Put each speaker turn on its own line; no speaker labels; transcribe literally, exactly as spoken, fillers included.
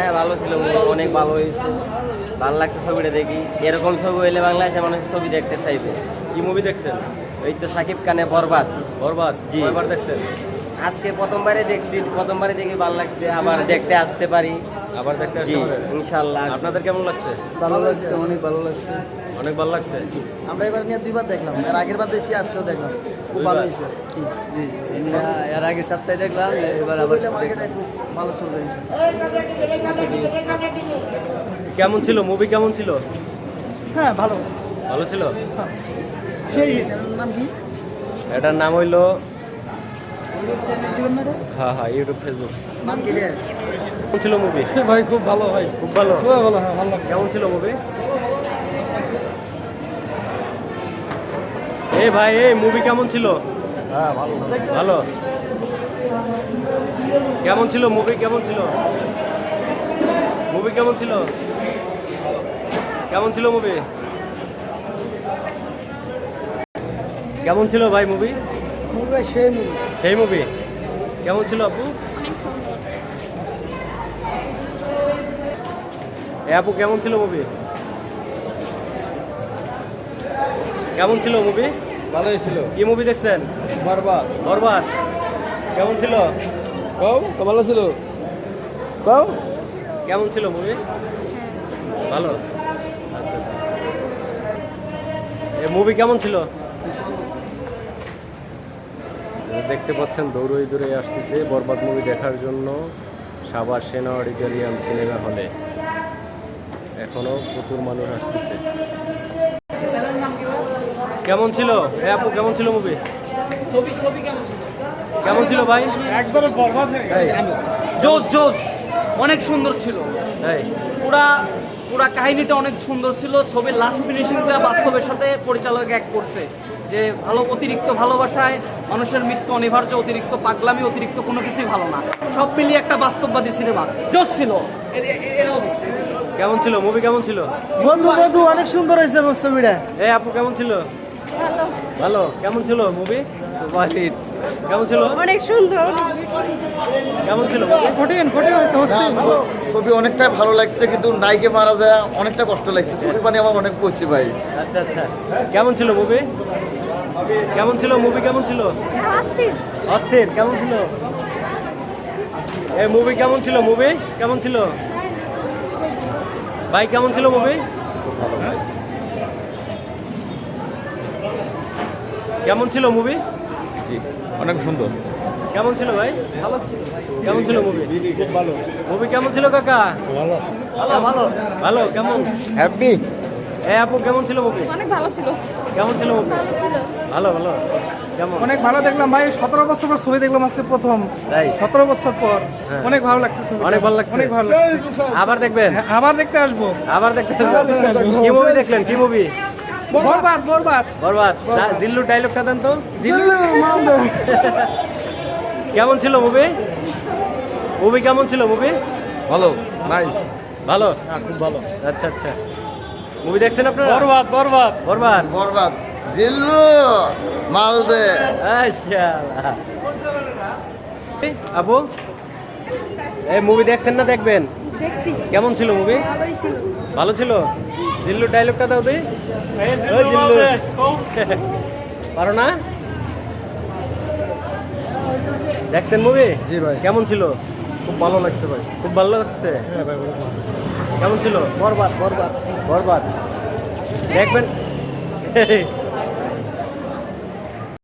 হ্যাঁ ভালো ছিল, অনেক ভালো হয়েছে, ভালো লাগছে ছবিটা দেখি। এরকম ছবি হইলে বাংলাদেশের মানুষ ছবি দেখতে চাইবে।
কি মুভি দেখছেন?
এই তো শাকিব খানের বরবাদ।
বরবাদ
জি।
কয়বার দেখছেন?
আজকে প্রথমবারে দেখছি, প্রথমবারে দেখে ভালো লাগছে, আবার দেখতে আসতে পারি।
আবার দেখতে
জি
আসতে পারেন?
ইনশাল্লাহ।
আপনাদের কেমন লাগছে?
ভালো লাগছে, অনেক ভালো লাগছে।
অনেক ভালো লাগছে।
আমরা এবার নিয়ে দুইবার দেখলাম, এর আগের বার দেখছি, আজকেও দেখলাম, খুব ভালো হয়েছে। জি,
এর আগে সপ্তাহে দেখলাম, এবার
ছবিটা মার্কেটে খুব ভালো চলবে ইনশাআল্লাহ।
কেমন ছিল মুভি? কেমন ছিল?
হ্যাঁ ভালো।
ভালো ছিল।
সেই চ্যানেলের নাম কি?
এটার নাম হইলো
দিবেন না রে?
হ্যাঁ হ্যাঁ ইউটিউব ফেসবুক।
নাম কি রে?
কেমন ছিল মুভি?
ভাই খুব ভালো ভাই,
খুব ভালো।
খুব ভালো, হ্যাঁ ভালো লাগছে।
কেমন ছিল মুভি? এই ভাই এই মুভি কেমন ছিল?
হ্যাঁ ভালো।
ভালো। কেমন ছিল মুভি? কেমন ছিল মুভি? কেমন ছিল? কেমন ছিল মুভি? কেমন ছিল ভাই মুভি?
মুভি ভাই সেই মুভি।
সেই মুভি কেমন ছিল আপু? এ আপু কেমন ছিল মুভি? কেমন ছিল মুভি?
ভালোই ছিল।
কি মুভি দেখছেন?
বরবাদ।
বরবাদ কেমন ছিল?
কও তো ভালো ছিল। কও
কেমন ছিল মুভি? ভালো। এ মুভি কেমন ছিল? দেখতে পাচ্ছেন দৌড়ই দৌড়ে আসতেছে বরবাদ মুভি দেখার জন্য সাভার সেনা অডিটোরিয়াম সিনেমা হলে। এখনো প্রচুর মানুষ আসতেছে। কেমন ছিল এ আপু? কেমন ছিল মুভি?
ছবি ছবি কেমন ছিল?
কেমন ছিল ভাই?
একবারে বরবাদ হয়ে গেছে। জোস জোস অনেক সুন্দর ছিল।
এই
পুরা পুরা কাহিনীটা অনেক সুন্দর ছিল। ছবির লাস্ট ফিনিশিংটা বাস্তবের সাথে পরিচালক এক করছে যে ভালো, অতিরিক্ত ভালোবাসায় মানুষের মৃত্যু অনিবার্য, অতিরিক্ত পাগলামি, অতিরিক্ত কোনো কিছুই ভালো না, সব মিলিয়ে একটা বাস্তববাদী সিনেমা জোস ছিল। এ- এ- এরাও দেখছে।
কেমন ছিল মুভি? কেমন ছিল?
বন্ধু বন্ধু অনেক সুন্দর হয়েছে ছবিটা।
এই আপু কেমন ছিল?
ভালো,
ভালো। কেমন ছিল মুভি? কেমন ছিল?
অনেক সুন্দর।
কেমন ছিল মুভি?
কঠিন কঠিন হয়েছে অস্থির।
ছবি অনেকটাই ভালো লাগছে, কিন্তু নায়িকে মারা যায় অনেকটা কষ্ট লাগছে। ছবি পানি আমার অনেক পড়ছে ভাই।
আচ্ছা আচ্ছা কেমন ছিল মুভি? কেমন ছিল মুভি? কেমন ছিল?
অস্থির।
অস্থির। কেমন ছিল এই মুভি? কেমন ছিল মুভি? কেমন ছিল ভাই? কেমন ছিল মুভি? কেমন ছিল মুভি?
অনেক সুন্দর।
কেমন ছিল ভাই?
ভালো ছিল ভাই।
কেমন ছিল মুভি?
খুব ভালো।
মুভি কেমন ছিল কাকা?
ভালো
ভালো ভালো। কেমন
হ্যাপি।
এ আপু কেমন ছিল মুভি?
অনেক ভালো ছিল।
কেমন ছিল মুভি?
ভালো ছিল।
ভালো ভালো। কেমন?
অনেক ভালো দেখলাম ভাই, সতেরো বছর পর ছবি দেখলাম আজকে প্রথম।
তাই?
সতেরো বছর পর
হ্যাঁ।
অনেক ভালো লাগছে ছবিটা।
অনেক ভালো লাগছে?
অনেক ভালো লাগছে।
আবার দেখবেন?
হ্যাঁ, আবার দেখতে আসবো।
আবার দেখতে কি মুভি দেখলেন? কি মুভি?
বরবাদ বরবাদ।
বরবাদ। যা- জিল্লু ডায়লগটা দেন তো। কেমন ছিল মুভি? মুভি কেমন ছিল মুভি?
ভালো, নাইস।
ভালো। খুব ভালো। আচ্ছা আচ্ছা মুভি দেখছেন আপনারা?
বরবাদ বরবাদ
বরবাদ।
বরবাদ। জিল্লু মালদে।
আচ্ছা আপু এই মুভি দেখছেন না দেখবেন?
দেখছি,
কেমন ছিল মুভি?
ভালোই ছিল।
ভালো ছিল। জিল্লু ডায়লগটা দাও দি। ওই জিল্লু পারো না? দেখছেন মুভি?
জি ভাই।
কেমন ছিল?
খুব ভালো লাগছে ভাই।
খুব ভালো লাগছে।
হ্যাঁ ভাই।
কেমন ছিল?
বরবাদ বরবাদ।
বরবাদ দেখবেন।